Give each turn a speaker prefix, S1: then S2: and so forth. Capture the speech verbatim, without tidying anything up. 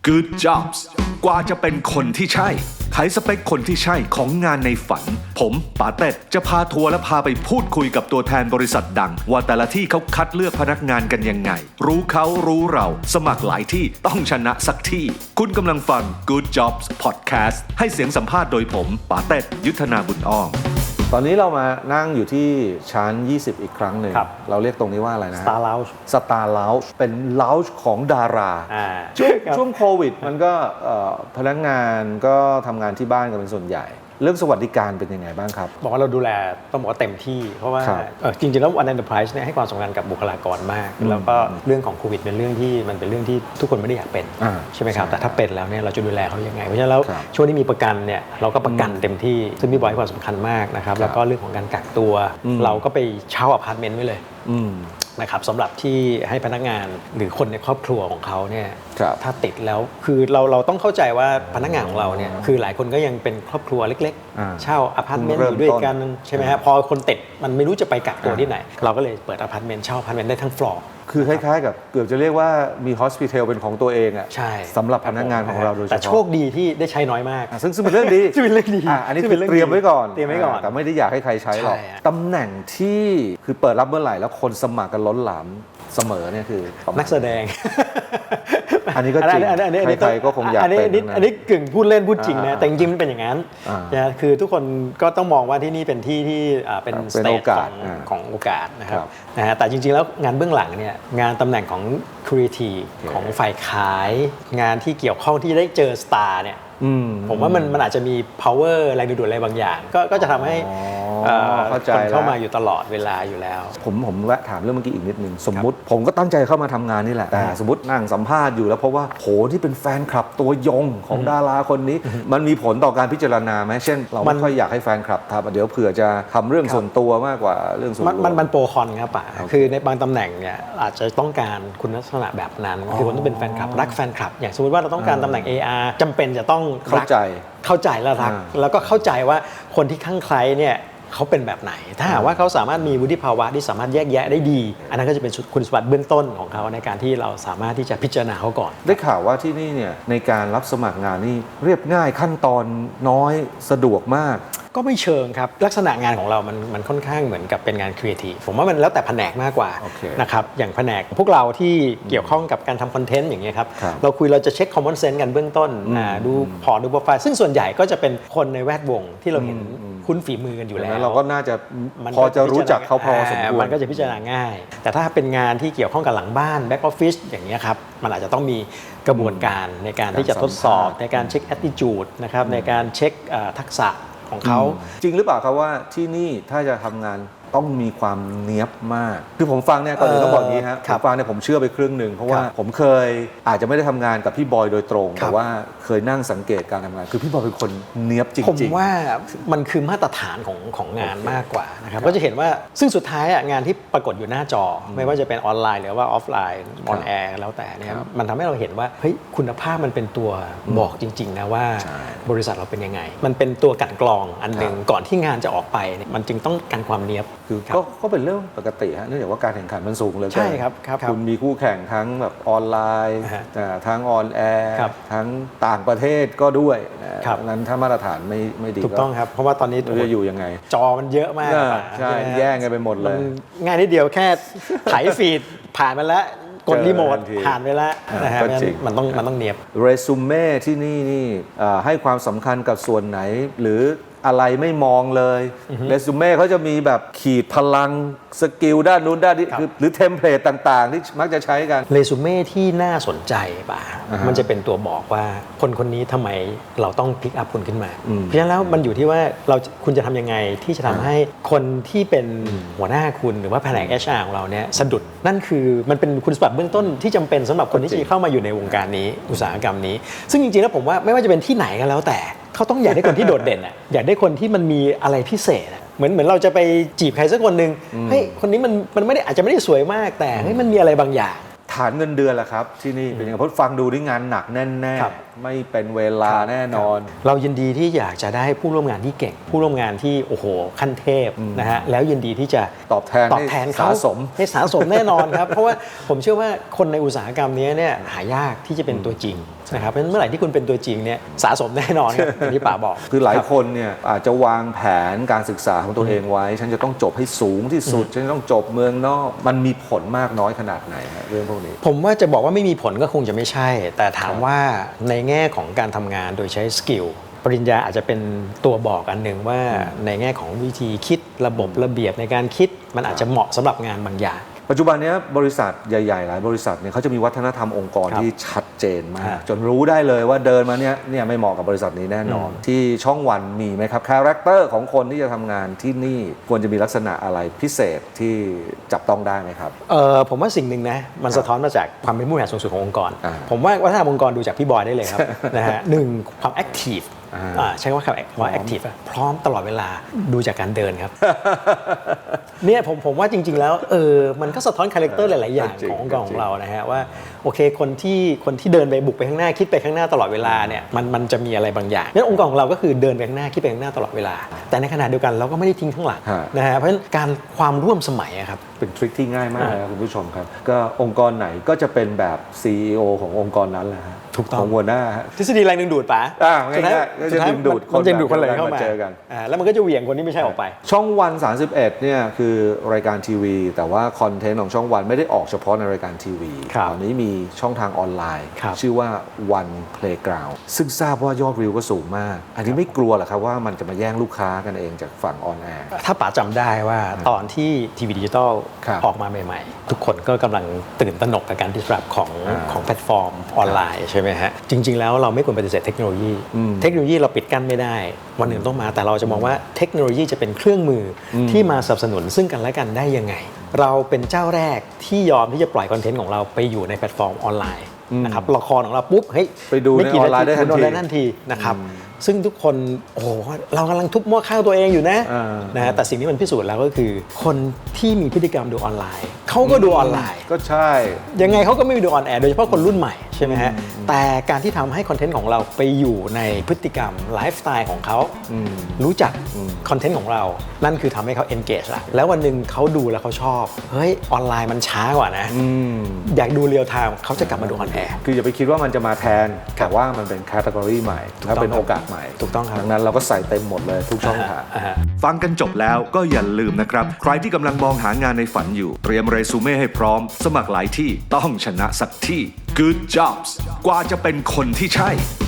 S1: Good Jobs กว่าจะเป็นคนที่ใช่ไขสเปคคนที่ใช่ของงานในฝันผมป๋าเต็ดจะพาทัวร์และพาไปพูดคุยกับตัวแทนบริษัทดังว่าแต่ละที่เขาคัดเลือกพนักงานกันยังไงรู้เขารู้เราสมัครหลายที่ต้องชนะสักที่คุณกำลังฟัง Good Jobs Podcast ให้เสียงสัมภาษณ์โดยผมป๋าเต็ดยุทธนาบุญอ้อม
S2: ตอนนี้เรามานั่งอยู่ที่ชั้นยี่สิบอีกครั้งหนึ่งเราเรียกตรงนี้ว่าอะไรนะ
S3: Star Lounge
S2: Star Lounge เป็น lounge ของดาราช่วงช่วงโควิดมันก็พนักงานก็ทำงานที่บ้านกันเป็นส่วนใหญ่เรื่องสวัสดิการเป็นยังไงบ้างครับ
S3: บอกว่าเราดูแลต้องบอกว่าเต็มที่เพราะว่าจริงๆแล้ว One Enterprise เนี่ยให้ความสำคัญกับบุคลากรมากแล้วก็เรื่องของโควิดเป็นเรื่องที่มันเป็นเรื่องที่ทุกคนไม่ได้อยากเป็นใช่ไหมครับแต่ถ้าเป็นแล้วเนี่ยเราจะดูแลเขายังไงเพราะฉะนั้นแล้วช่วงที่มีประกันเนี่ยเราก็ประกันเต็มที่ซึ่งพี่บอยให้ความสำคัญมากนะครับแล้วก็เรื่องของการกักตัวเราก็ไปเช่าอพาร์ตเมนต์ไว้เลยนะครับสำหรับที่ให้พนักงานหรือคนในครอบครัวของเขาเนี่ยถ้าติดแล้วคือเราเราต้องเข้าใจว่าพนักงานของเราเนี่ยคือหลายคนก็ยังเป็นครอบครัวเล็กๆเช่าอพาร์ตเมนต์อยู่ด้วยกันใช่ไหมฮะพอคนติดมันไม่รู้จะไปกักตัวที่ไหนเราก็เลยเปิดอพาร์ตเมนต์เช่าอพาร์ตเมนต์ได้ทั้งฟลอร์
S2: คือคล้ายๆกับเกือบจะเรียกว่ามีฮอสพิทอลเป็นของตัวเองอ่ะสำหรับพนักงานของเราโดยเฉพาะ
S3: แต่โชคดีที่ได้ใช้น้อยมาก
S2: ซึ่งซึ่งเป็นเรื่องดี
S3: ซึ่งเป็นเรื่องดี
S2: อันนี้คือเตรียมไว้ก่อน
S3: เตรียมไว้ก่อน
S2: แต่ไม่ได้อยากให้ใครใช้หรอกตำแหน่งที่คือเปิดรับเมื่อไหร่แล้วคนสมัครกันล้นหลามเสมอเนี่ยคือ
S3: นักแสดง
S2: อันนี้ก็จริงใครๆก็คงอยากเป็น
S3: อันนี้กึ่งพูดเล่นพูดจริงนะแต่จริงๆมันเป็นอย่างนั้นนะคือทุกคนก็ต้องมองว่าที่นี่เป็นที่ที่เป็นสเตจของโอกาสนะครับนะฮะแต่จริงๆแล้วงานเบื้องหลังเนี่ยงานตำแหน่งของครีเอทีฟของฝ่ายขายงานที่เกี่ยวข้องที่ได้เจอสตาร์เนี่ยผมว่ามันมันอาจจะมี power แรงดึงดูดอะไรบางอย่างก็ก็จะทำให้คนเข้ามาอยู่ตลอดเวลาอยู่แล้ว
S2: ผมผมแวะถามเรื่องเมื่อกี้อีกนิดนึงสมมุติผมก็ตั้งใจเข้ามาทำงานนี่แหละแต่สมมตินั่งสัมภาษณ์อยู่แล้วเพราะว่าโหที่เป็นแฟนคลับตัวยงของดาราคนนี้มันมีผลต่อการพิจารณาไหมเช่นเราไม่ค่อยอยากให้แฟนคลับทำเดี๋ยวเผื่อจะทำเรื่องส่วนตัวมากกว่าเรื่องส่วนตัว
S3: มันมันโปรคอนครับป่ะคือในบางตำแหน่งเนี่ยอาจจะต้องการคุณลักษณะแบบนั้นคือคนต้องเป็นแฟนคลับรักแฟนคลับอย่างสมมติว่าเราต้องการตำแหน่ง เอ อาร์ จำเป็นจะต้อง
S2: เข้าใจ
S3: เข้าใจและรักแล้วก็เข้าใจว่าคนที่ข้างใครเนี่ยเขาเป็นแบบไหนถ้าหากว่าเขาสามารถมีวุฒิภาวะที่สามารถแยกแยะได้ดีอันนั้นก็จะเป็นคุณสมบัติเบื้องต้นของเขาในการที่เราสามารถที่จะพิจารณาเขาก่อน
S2: ได้ข่าวว่าที่นี่เนี่ยในการรับสมัครงานนี่เรียบง่ายขั้นตอนน้อยสะดวกมาก
S3: ก็ไม่เชิงครับลักษณะงานของเรามันมันค่อนข้างเหมือนกับเป็นงานครีเอทีฟผมว่ามันแล้วแต่แผนกมากกว่า
S2: okay.
S3: นะครับอย่างแผนกพวกเราที่เกี่ยวข้องกับการทำคอนเทนต์อย่างเงี้ยครับเราคุยเราจะเช็คคอมมอนเซนส์กันเบื้องต้นดูพอร์ตดูโปรไฟล์ซึ่งส่วนใหญ่ก็จะเป็นคนในแวดวงที่เราเห็นคุ้นฝีมือกันอยู่แล้ว
S2: เราก็น่าจะพอจะรู้จักเขาพอสมควร
S3: มันก็จะพิจารณาง่ายแต่ถ้าเป็นงานที่เกี่ยวข้องกับหลังบ้านแบ็กออฟฟิศอย่างเงี้ยครับมันอาจจะต้องมีกระบวนการในการที่จะทดสอบในการเช็คแอตติจูดนะครับในการเช็คทักษะของเขา
S2: จริงหรือเปล่าครับว่าที่นี่ถ้าจะทำงานต้องมีความเนี๊ยบมากคือผมฟังเนี่ยก่อนอื่นต้องบอกอย่างนี้ฮะผมฟังเนี่ยผมเชื่อไปครึ่งหนึ่งเพราะว่าผมเคยอาจจะไม่ได้ทำงานกับพี่บอยโดยตรงแต่ว่าเคยนั่งสังเกตการทำงานคือพี่บอยเป็นคนเนี๊ยบจริงๆ
S3: ผมว่ามันคือมาตรฐานของของงานมากกว่านะครับก็จะเห็นว่าซึ่งสุดท้ายงานที่ปรากฏอยู่หน้าจอไม่ว่าจะเป็นออนไลน์หรือว่าออฟไลน์ออนแอร์แล้วแต่เนี่ยมันทำให้เราเห็นว่าเฮ้ยคุณภาพมันเป็นตัวบอกจริงๆนะว่าบริษัทเราเป็นยังไงมันเป็นตัวกลั่นกรองอันนึงก่อนที่งานจะออกไปมันจึงต้องการความเนี๊ยบ
S2: คือก็เป็นเรื่องปกติฮะเนื่องจากว่าการแข่งขันมันสูงเลย
S3: ใช่ครับครับ
S2: คุณมีคู่แข่งทั้งแบบออนไลน์ทั้งออนแอร์ทั้งต่างประเทศก็ด้วยนั้นถ้ามาตรฐานไม่ไม่ดี
S3: ถูกต้องครับเพราะว่าตอนนี้
S2: จะอยู่ยังไง
S3: จอมันเยอะมาก
S2: ใช่แย่งกันไปหมดเลย
S3: ง่ายนิดเดียวแค่ไถฟีดผ่านมาแล้วกดรีโมทผ่านไปแล้วนะฮะมันต้องมันต้องเนียบ
S2: เรซูเม่ที่นี่นี่ให้ความสำคัญกับส่วนไหนหรืออะไรไม่มองเลยเรซูเม่เขาจะมีแบบขีดพลังสกิลด้านนู้นด้านนี้หรือเทมเพลตต่างๆที่มักจะใช้กัน
S3: เรซูเม่ที่น่าสนใจป่ะมันจะเป็นตัวบอกว่าคนคนนี้ทำไมเราต้องพิกอัพคุณขึ้นมาเพราะฉะนั้นแล้วมันอยู่ที่ว่าเราคุณจะทำยังไงที่จะทำให้คนที่เป็นหัวหน้าคุณหรือว่าแผนก เอช อาร์ ของเราเนี่ยสะดุดนั่นคือมันเป็นคุณสมบัติเบื้องต้นที่จำเป็นสำหรับคนที่จะเข้ามาอยู่ในวงการนี้อุตสาหกรรมนี้ซึ่งจริงๆแล้วผมว่าไม่ว่าจะเป็นที่ไหนก็แล้วแต่เขาต้องอยากได้คนที่โดดเด่นอ่ะอยากได้คนที่มันมีอะไรพิเศษอ่ะเหมือนเหมือนเราจะไปจีบใครสักคนนึงเฮ้ยคนนี้มันมันไม่ได้อาจจะไม่ได้สวยมากแต่เฮ้ยมันมีอะไรบางอย่าง
S2: ถานเงินเดือนล่ะครับที่นี่เป็นยังไงเพราะฟังดูนี่งานหนักแน่
S3: ครับ
S2: ๆไม่เป็นเวลาแน่นอน
S3: เรายินดีที่อยากจะได้ผู้ร่วมงานที่เก่ง ผู้ร่วมงานที่โอ้โหขั้นเทพนะฮะแล้วยินดีที่จะ
S2: ตอบแทน
S3: ตอบแทนเขา
S2: ให้สะสม
S3: ให้สะสมแน่นอนครับ เพราะว่าผมเชื่อว่าคนในอุตสาหกรรมนี้เนี่ยหายากที่จะเป็นตัวจริงนะครับเพราะฉะนั้นเมื่อไหร่ที่คุณเป็นตัวจริงเนี่ยสะสมแน่นอนครับอย่างที่ป๋าบอก
S2: คือหลาย
S3: รับ
S2: คนเนี่ยอาจจะวางแผนการศึกษาของตัวเองไว้ ฉันจะต้องจบให้สูงที่สุด ฉันจะต้องจบเมืองนอก มันมีผลมากน้อยขนาดไหนฮะเรื่องพวกนี้
S3: ผมว่าจะบอกว่าไม่มีผลก็คงจะไม่ใช่ แต่ถามว่าในแง่ของการทำงานโดยใช้สกิลปริญญาอาจจะเป็นตัวบอกอันหนึ่งว่าในแง่ของวิธีคิดระบบระเบียบในการคิดมันอาจจะเหมาะสำหรับงานบางอย่าง
S2: ปัจจุบันเนี้ยบริษัทใหญ่ๆหลายบริษัทเนี่ยเขาจะมีวัฒนธรรมองค์กร
S3: ครับ
S2: ที่ชัดเจนมา
S3: ครั
S2: ก
S3: บ
S2: จนรู้ได้เลยว่าเดินมาเนี้ยเนี่ยไม่เหมาะกับบริษัทนี้แน่นอน ที่ช่องวันมีไหมครับคาแรคเตอร์ของคนที่จะทำงานที่นี่ควรจะมีลักษณะอะไรพิเศษที่จับต้องได้ไหมครับ
S3: เออผมว่าสิ่งหนึ่งนะมันสะท้อนมาจากความเป็นผู้บริหารสูงสุดขององค์กร
S2: อ่า
S3: ผมว่าวัฒนธรรมองค์กรดูจากพี่บอยได้เลยครับ นะฮะหนึ่งความแอคทีฟ
S2: อ่า
S3: อ่าใช้คำว่าคำว่าแอคทีฟพร้อมตลอดเวลาดูจากการเดินครับ เนี่ยผมผมว่าจริง ๆ แล้วเออมันก็สะท้อนคาแรคเตอร์หลาย ๆ อย่าง
S2: จริง
S3: ขององค์กร
S2: จริง
S3: ของเรานะฮะว่าโอเคคนที่คนที่เดินไปบุกไปข้างหน้าคิดไปข้างหน้าตลอดเวลาเนี่ยมันมันจะมีอะไรบางอย่างงั้นองค์กรของเราก็คือเดินไปข้างหน้าคิดไปข้างหน้าตลอดเวลา แต่ในขณะเดียวกันเราก็ไม่ได้ทิ้งข้างหลัง
S2: ฮะ
S3: นะฮะเพราะฉะนั้นการความร่วมสมัยอะครับ
S2: เป็นทริคที่ง่ายมากนะครับคุณผู้ชมครับ ก็องค์กรไหนก็จะเป็นแบบ ซี อี โอ ขององค์กรนั้นแหละฮะ
S3: ถูกต้อง
S2: ของหัวหน้าฮะ
S3: ทฤษฎีแรงดึงดูดป๋า
S2: อ่า
S3: สุดท้าย
S2: ง่ายๆก็จะ
S3: สุดท้าย
S2: ดึงดูด
S3: มันจะดึงดูดคน
S2: คน
S3: เลย
S2: แบบ
S3: เข้ามา
S2: มาเจอกัน
S3: อ่าแล้วมันก็จะเหวี่ยงคนที่ไม่ใช่ออกไป
S2: ช่องวันสามสิบเอ็ดเนี่ยคือรายการทีวี แต่ว่าคอนเทนต์ของช่องวันไม่ได้ออกเฉพาะในรายการทีวี
S3: ครับ
S2: ตอนนี้มีช่องทางออนไลน์
S3: ครับ
S2: ชื่อว่า One Playground ซึ่งทราบว่ายอดวิวก็สูงมาก อันนี้ไม่กลัวเหรอครับว่ามันจะมาแย่งลูกค้ากันเองจากฝั่งออนแอร์
S3: ถ้าป๋าจำได้ว่าตอนที่ทีวีดิจิตอล
S2: ครับ
S3: ออกมาใหม่ๆ ทุกคนก็กำลังตื่นตระหนกกับการ disrupt ของ
S2: อ่า
S3: ของแพลตฟอร์มออนไลน์ใช่ไหมฮะ จริง ๆ แล้วเราไม่ควรปฏิเสธเทคโนโลยี
S2: อืม
S3: เทคโนโลยีเราปิดกั้นไม่ได้ วันหนึ่งต้องมาแต่เราจะมองว่าเทคโนโลยีจะเป็นเครื่องมืออ
S2: ม
S3: ที่มาสนับสนุนซึ่งกันและกันได้ยังไง เราเป็นเจ้าแรกที่ยอมที่จะปล่อยคอนเทนต์ของเราไปอยู่ในแพลตฟอร์มออนไลน์นะครับละครของเราปุ๊บเฮ้ย
S2: ไปดูใน
S3: ม่กี่
S2: ออนไลน์ได้ทันที
S3: ดูออนไลน์ทันทีนะครับซึ่งทุกคนโอ้โหเรากำลังทุบหม้อข้าวตัวเองอยู่นะ
S2: อ่า
S3: นะฮะแต่สิ่งที่มันพิสูจน์แล้วก็คือ คนที่มีพฤติกรรมดูออนไลน์เขาก็ดูออนไลน์
S2: ก็ใช่
S3: ยังไงเขาก็ไม่ดูออนแอร์โดยเฉพาะคนรุ่นใหม่ใช่ไหมฮะแต่การที่ทำให้คอนเทนต์ของเราไปอยู่ในพฤติกรรมไลฟ์สไตล์ของเขารู้จักคอนเทนต์ของเรา นั่นคือทำให้เขา engage ละแล้ววันหนึ่งเขาดูแล้วเขาชอบเฮ้ยออนไลน์มันช้ากว่านะ
S2: อืม
S3: อยากดูเรียลไทม์เขาจะกลับมาดูออนแอร์
S2: คืออย่าไปคิดว่ามันจะมาแทน แต่ว่ามันเป็นแคตตากรีใหม่
S3: ถูก
S2: และ
S3: ต้อง
S2: เป็นโอกาสใหม่
S3: ถูกต้องครับ
S2: ดังนั้นเราก็ใส่เต็มหมดเลยทุกช่องทาง
S3: อ่าฮะ
S1: ฟังกันจบแล้วก็อย่าลืมนะครับ ใครที่กำลังมองหางานในฝันอยู่ เตรียมเรซูเม่ให้พร้อม สมัครหลายที่ต้องชนะสักที่ Good Jobs กว่าจะเป็นคนที่ใช่